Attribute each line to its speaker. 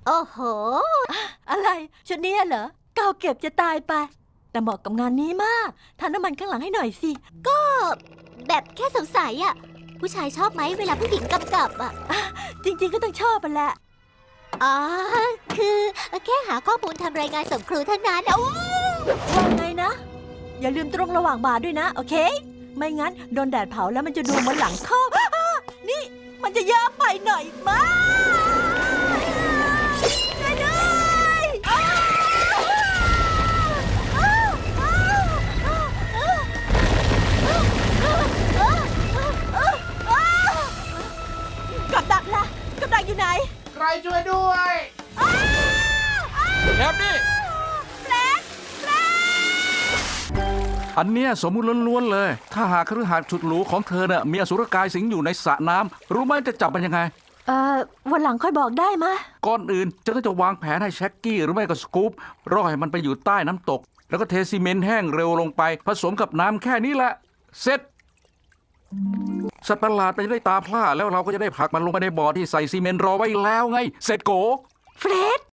Speaker 1: โอ้โห
Speaker 2: อะไรชุดนี้เหรอเก่าเก็บจะตายไป แต่เหมาะกับงานนี้มากทาน้ำมันข้างหลังให้หน่อยสิ
Speaker 1: ก็แบบแค่สงสัยอะผู้ชายชอบไหมเวลาผู้หญิงกำกับอะ
Speaker 2: จริงๆก็ต้องชอบไปแหละ
Speaker 1: อ๋อคือแค่หาข้อมูลทำรายงานส่งครูเท่านั้นโอ้
Speaker 2: ว่าไงนะ อย่าลืมตรงระหว่างบ่าด้วยนะ โอเค ไม่งั้นโดนแดดเผาแล้วมันจะดูเหมือนหลังคอกนี่มันจะเยอะไปหน่อยมากช่วยด้วยกับดักล่ะกับดักอยู่ไหน
Speaker 3: ใครช่วยด้วย
Speaker 4: แอบนี่อันเนี้ยสมมุติล้วนๆเลย ถ้าหากคฤหาสน์สุดหรูของเธอน่ะมีอสุรกายสิงอยู่ในสระน้ำรู้ไหมจะจับมันยังไง
Speaker 2: วันหลังค่อยบอกได้มะ
Speaker 4: ก่อนอื่นฉันก็จะวางแผนให้แช็กกี้หรือไม่ก็สกู๊ปรอให้มันไปอยู่ใต้น้ำตก แล้วก็เทซีเมนต์แห้งเร็วลงไปผสมกับน้ำแค่นี้แหละ เสร็จ สัตว์ประหลาดมันจะได้ตาพร่าแล้วเราก็จะได้ผลักมันลงไปในบ่อที่ใส่ซีเมนต์รอไว้แล้วไง เสร็จโก
Speaker 2: เฟรด